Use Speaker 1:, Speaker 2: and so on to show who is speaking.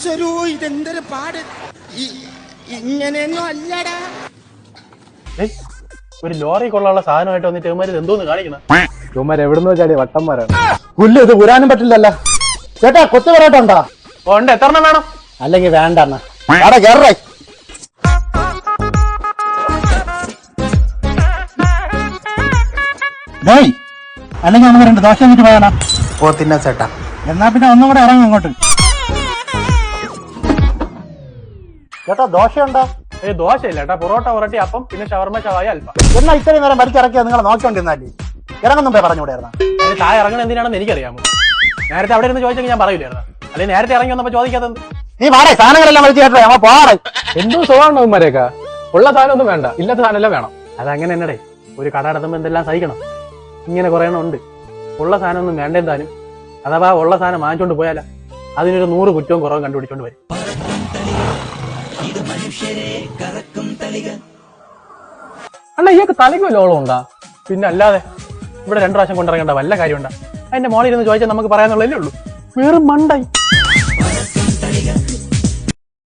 Speaker 1: ഈശ്വരോ ഇതെന്തൊരു പാട്. ഇങ്ങനെയൊന്നും അല്ലടാ.
Speaker 2: ഒരു ലോറി കൊള്ളാനുള്ള സാധനമായിട്ട് വന്നിട്ട് ഇവന്മാർ എന്തോന്ന് കാണിക്കണം.
Speaker 3: ഇവന്മാർ എവിടുന്നോ ചാടിയ വട്ടന്മാരാണ്. പുല്ല് ഇത് പുരാനും പറ്റില്ലല്ലോ. ചേട്ടാ കൊത്തു പൊറോട്ടുണ്ടോ?
Speaker 2: ഉണ്ട്. എത്ര എണ്ണം വേണം?
Speaker 3: അല്ലെങ്കിൽ വേണ്ട എന്നാ കേറേ. അല്ലെങ്കിൽ ഒന്ന് രണ്ട് ദോശ എന്നിട്ട് പോയാലോ?
Speaker 1: ഓ തിന്നാ ചേട്ടാ.
Speaker 3: എന്നാ പിന്നെ ഒന്നും കൂടെ ഇറങ്ങും ഇങ്ങോട്ട്. ചേട്ടാ ദോശയുണ്ടോ?
Speaker 2: ദോശയില്ല ചേട്ടാ. പൊറോട്ട, പൊറോട്ടി, അപ്പം, പിന്നെ ഷവർമ, ചവായ, അൽഫാം.
Speaker 3: എന്നാ ഇത്രയും നേരം വലിച്ചിറക്കിയാ നിങ്ങൾ നോക്കിക്കൊണ്ടിരുന്നാലേ ഇറങ്ങുന്നും പറഞ്ഞുകൂടെയായിരുന്നു.
Speaker 2: താഴെ ഇറങ്ങണ എന്തിനാണെന്ന് എനിക്കറിയാമോ. നേരത്തെ അവിടെ ഇരുന്ന് ചോദിച്ചെങ്കിൽ ഞാൻ പറയില്ലായിരുന്നു. അല്ലെങ്കിൽ നേരത്തെ ഇറങ്ങി വന്നപ്പോ ചോദിക്കാത്തത്.
Speaker 3: നീ വാടേ സാധനങ്ങളെല്ലാം വലിച്ചു കേട്ടോ. ഞങ്ങൾ പോവാറേ.
Speaker 4: എന്തോ സുഖമാണോ ഇവന്മാരെയൊക്കെ? ഉള്ള സാധനം ഒന്നും വേണ്ട, ഇല്ലാത്ത സാധനം എല്ലാം വേണം.
Speaker 2: അതങ്ങനെ എന്നടേ. ഒരു കട നടത്തുമ്പോ എന്തെല്ലാം സഹിക്കണം. ഇങ്ങനെ കുറെ എണ്ണം ഉണ്ട്. ഉള്ള സാധനം ഒന്നും വേണ്ടെന്താനും. അഥവാ ഉള്ള സാധനം വാങ്ങിച്ചോണ്ട് പോയാല അതിനൊരു 100 കുറ്റവും കുറവും കണ്ടുപിടിച്ചോണ്ട് വരും.
Speaker 4: അണ്ണാ ഇയാൾക്ക് തലയ്ക്ക് ലോളം ഉണ്ടാ?
Speaker 2: പിന്നെ അല്ലാതെ ഇവിടെ 2 പ്രാവശ്യം കൊണ്ടിറങ്ങേണ്ട വല്ല കാര്യമുണ്ടാ? അതിന്റെ മോളിൽ ഇരുന്ന് ചോദിച്ചാൽ നമുക്ക് പറയാനുള്ളതല്ലേ ഉള്ളൂ. വേറെ മണ്ടായി.